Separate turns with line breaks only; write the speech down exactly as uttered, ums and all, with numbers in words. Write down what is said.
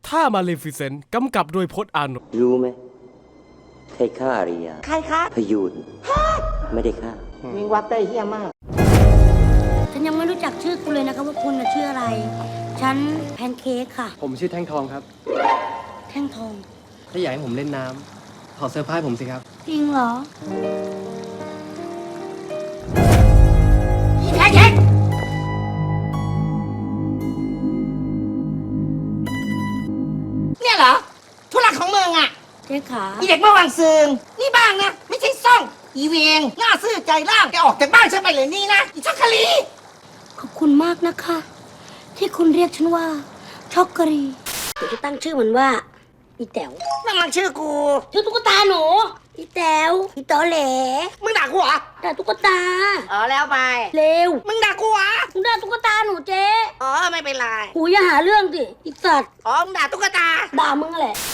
ท่ามาเลฟิเซนต์กำกับโดยพจน์อานนท์
รู้ไหมใครฆ่าอาริยา
ใครคะ
พยูนไม่ได้ฆ่า
วิงวัดได้เฮี้ยมาก
ฉันยังไม่รู้จักชื่อคุณเลยนะคะว่าคุณชื่ออะไรฉันแพนเค้กค่ะ
ผมชื่อแท่งทองครับ
แท่งทอง
ถ้าอยากให้ผมเล่นน้ำขอเซอร์ไพรส์ผมสิครับ
จริงเหรอ
อีแท็กเนี่ยเหรอธุระของเมืองอ่ะ
เจ๊ขา
อีเด็กเมื่อวานซืนนี่บ้างนะไม่ใช่ซ่องอีเวงหน้าซื่อใจล่างแกออกจากบ้านฉันไปเลยนี่นะอีชักคลี
ขอบคุณมากนะคะที่คุณเรียกฉันว่าช็อกโกรีเดี๋ยวจะตั้งชื่อมันว่าอีแต๋ว
นั่นมันชื่อกู
ชื่อตุ๊กตาหนูอีแต๋วอีตอแหล
มึงด่ากูเหรอ
ด่าตุ๊กตา
อ๋อแล้วไป
เร็ว
มึงด่ากูเหรอ
มึงด่าตุ๊กตาหนูเจ๊
อ๋อไม่เป็นไร
หูอย่าหาเรื่องสิอีสัตว์
อ๋อมึงด่าตุ๊กตา
ด่ามึงแหละ